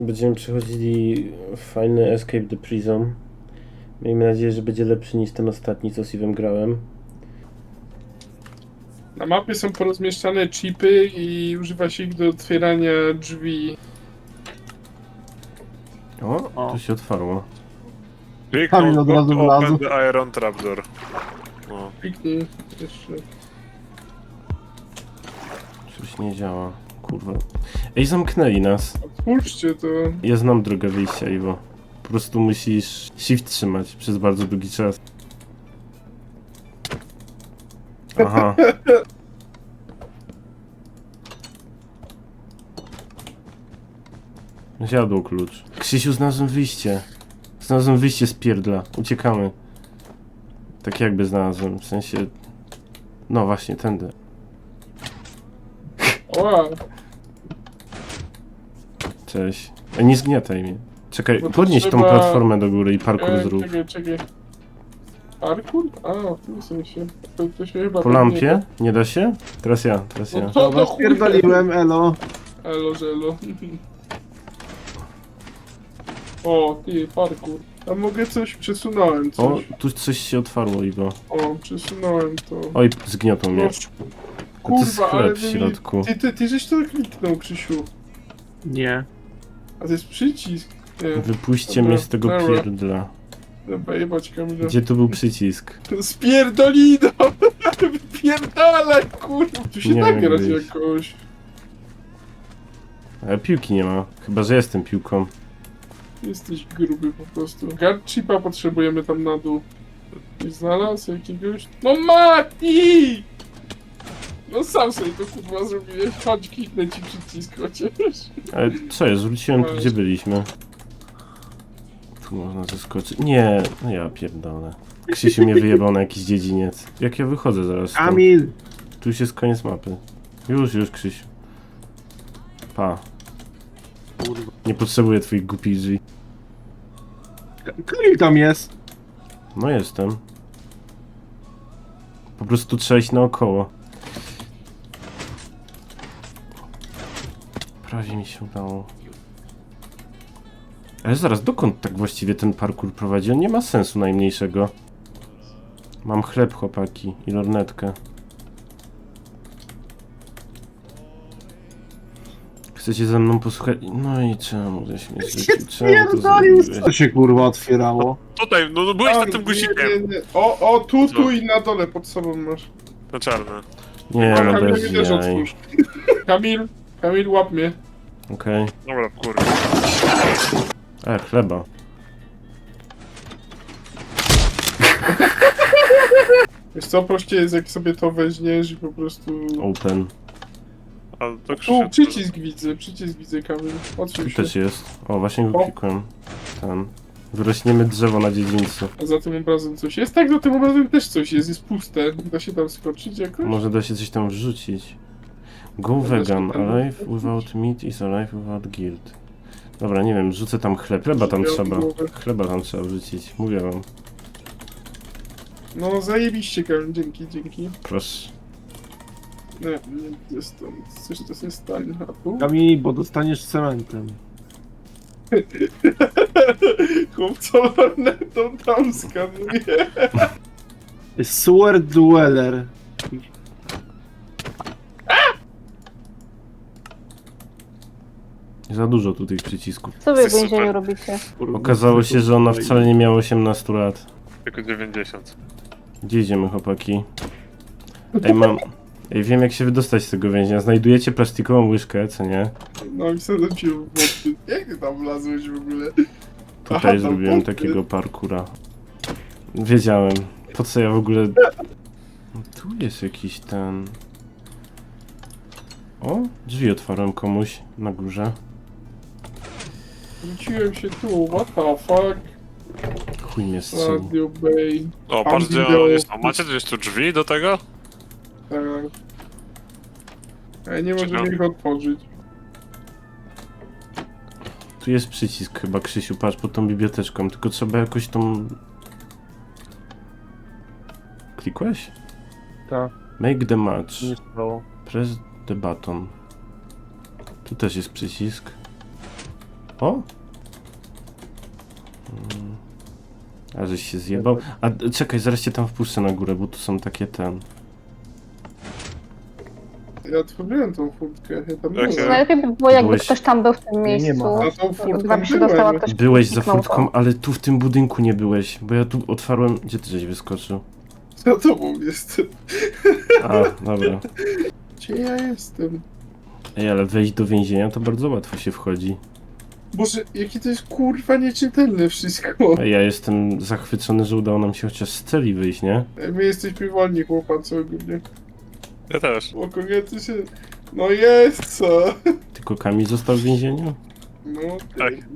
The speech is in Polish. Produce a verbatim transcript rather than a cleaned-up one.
Będziemy przechodzili fajny Escape the Prison. Miejmy nadzieję, że będzie lepszy niż ten ostatni, co Steve'em grałem. Na mapie są porozmieszczane chipy i używa się ich do otwierania drzwi. O, O. tu się otwarło. Kamil od razu wlazł. Open the iron trapdoor. O. Kliknij jeszcze. Coś nie działa. Kurwa. Ej, zamknęli nas. Otwórzcie to. Ja znam drogę wyjścia, Iwo. Po prostu musisz shift trzymać przez bardzo długi czas. Aha. Zjadło klucz. Krzysiu, znalazłem wyjście. Znalazłem wyjście z pierdla. Uciekamy. Tak jakby znalazłem, w sensie... No właśnie, tędy. Oła, Cześć. Ej, nie zgniataj mnie. Czekaj, Bo to podnieś tą trzeba- platformę do góry i parkour e, zrób. czekaj, czekaj. Parkour? A, w tym sensie. To, to się chyba Po tak lampie? nie Nie da się? Teraz ja, teraz da. ja. No to do Dobra, chuja. spierdoliłem, elo. Elo, żelo. O, ty, parkour. A mogę coś? Przesunąłem O, coś. tu coś się otwarło, Iwo. O, przesunąłem to. Oj, zgniotą mnie. No, A to jest kurwa, ale chleb w ty, mi- środku. ty, ty, ty żeś to kliknął, Krzysiu. Nie. A to jest przycisk. Nie, Wypuśćcie Dobra, mnie z tego dobra. pierdla. dobra, jebać Kamila. Gdzie tu był przycisk? Spierdolino! Wypierdalaj, kurwa! Tu się Nie da wiem, grać gdzieś. jakoś. Ale piłki nie ma. Chyba, że jestem piłką. Jesteś gruby po prostu. Guard chipa potrzebujemy tam na dół. Nie znalazł jakiegoś? No Mati! No sam sobie to kurwa zrobiłeś. Chodź, kliknę ci przycisk chociaż. Ale co jest? Wróciłem tu, gdzie byliśmy. Tu można zeskoczyć. Nie, no ja pierdolę. Krzysiu mnie wyjebał na jakiś dziedziniec. Jak ja wychodzę zaraz stąd? Kamil! Tu już jest koniec mapy. Już, już, Krzysiu. Pa. Kurwa. Nie potrzebuję twoich głupich drzwi. Kamil tam jest. No jestem. Po prostu trzeba iść naokoło. Prawie mi się udało. Ale zaraz, dokąd tak właściwie ten parkour prowadzi? On nie ma sensu najmniejszego. Mam chleb, chłopaki, i lornetkę. Chcecie ze mną posłuchać? No i czemu żeś mnie zrzucił? Czemu to Pierdolił, zrobiłeś? co się kurwa otwierało? Tutaj, no, no byłeś A, nad tym nie, guzikiem. nie, nie. O, o, tu, Co? tu i na dole pod sobą masz. Na czarne. Nie, A no Kamil bez mnie też jaj. otwórz. Kamil, Kamil, łap mnie. Okej. Dobra, kurde. E, chleba. Wiesz co, prościej jest jak sobie to weźmiesz i po prostu... Open. A to Tu Krzysiu. przycisk widzę, przycisk widzę, Kamil. Tu Odsuń się. też jest. O, właśnie go O. klikłem. Ten. Wyrośniemy drzewo na dziedzińcu. A za tym obrazem coś jest? Tak, za tym obrazem też coś jest, jest puste. Da się tam skoczyć jakoś? Może da się coś tam wrzucić. Go Dobra, vegan. szukam. Alive without meat is alive without guilt. Dobra, nie wiem, rzucę tam chleb. Chleba tam Miał trzeba. głowę. Chleba tam trzeba wrzucić. Mówię wam. No zajebiście, Kamil, dzięki, dzięki. Proszę. Nie, nie, jest tam, coś to się stanie. A tu? Kamil, bo dostaniesz cementem. Chłopco lornetą tam skanuje. Sewer Dweller. Za dużo tu tych przycisków. Co wy w Super. więzieniu robicie? Kurwa, Okazało się, że ona wcale nie miała osiemnastu lat. Tylko dziewięćdziesiąt. Gdzie idziemy, chłopaki? Ej, mam... Ej, wiem jak się wydostać z tego więzienia. Znajdujecie plastikową łyżkę, co nie? No i wsadzam cię w wody. Jak ty tam wlazłeś w ogóle? Aha, Tutaj tam zrobiłem pod- takiego parkura. Wiedziałem. Po co ja w ogóle... No, tu jest jakiś ten... O, drzwi otwarłem komuś na górze. Wróciłem się tu, what the fuck? Chuj mnie strzelił. Radio Bay. O, Tam patrz gdzie wideo. on jest. O, macie gdzieś tu drzwi do tego? Tak. Ej, nie Czekam. możemy ich otworzyć. Tu jest przycisk chyba, Krzysiu, patrz, pod tą biblioteczką, tylko trzeba jakoś tą... Klikłeś? Tak, Make the match. nie stało. Press the button. Tu też jest przycisk. O! Mm. A żeś się zjebał? A d- czekaj, zaraz cię tam wpuszczę na górę, bo tu są takie ten... Ja otworzyłem tą furtkę, ja tam Jak byłem. Najlepiej by było, jakby Byłeś- ktoś tam był w tym Nie, nie miejscu. ma. Za tą furtką Chyba by się byłem. dostała ktoś Byłeś za kliknął to. furtką, ale tu w tym budynku nie byłeś, bo ja tu otwarłem... Gdzie ty żeś wyskoczył? Za tobą jestem. A, dobra. Gdzie ja jestem? Ej, ale wejść do więzienia to bardzo łatwo się wchodzi. Boże, jakie to jest kurwa nieczytelne wszystko. Ej, ja jestem zachwycony, że udało nam się chociaż z celi wyjść, nie? My jesteśmy wolni chłopacy ogólnie. Ja też. O kobiety się... No jest co? Tylko Kamil został w więzieniu? No, Tak.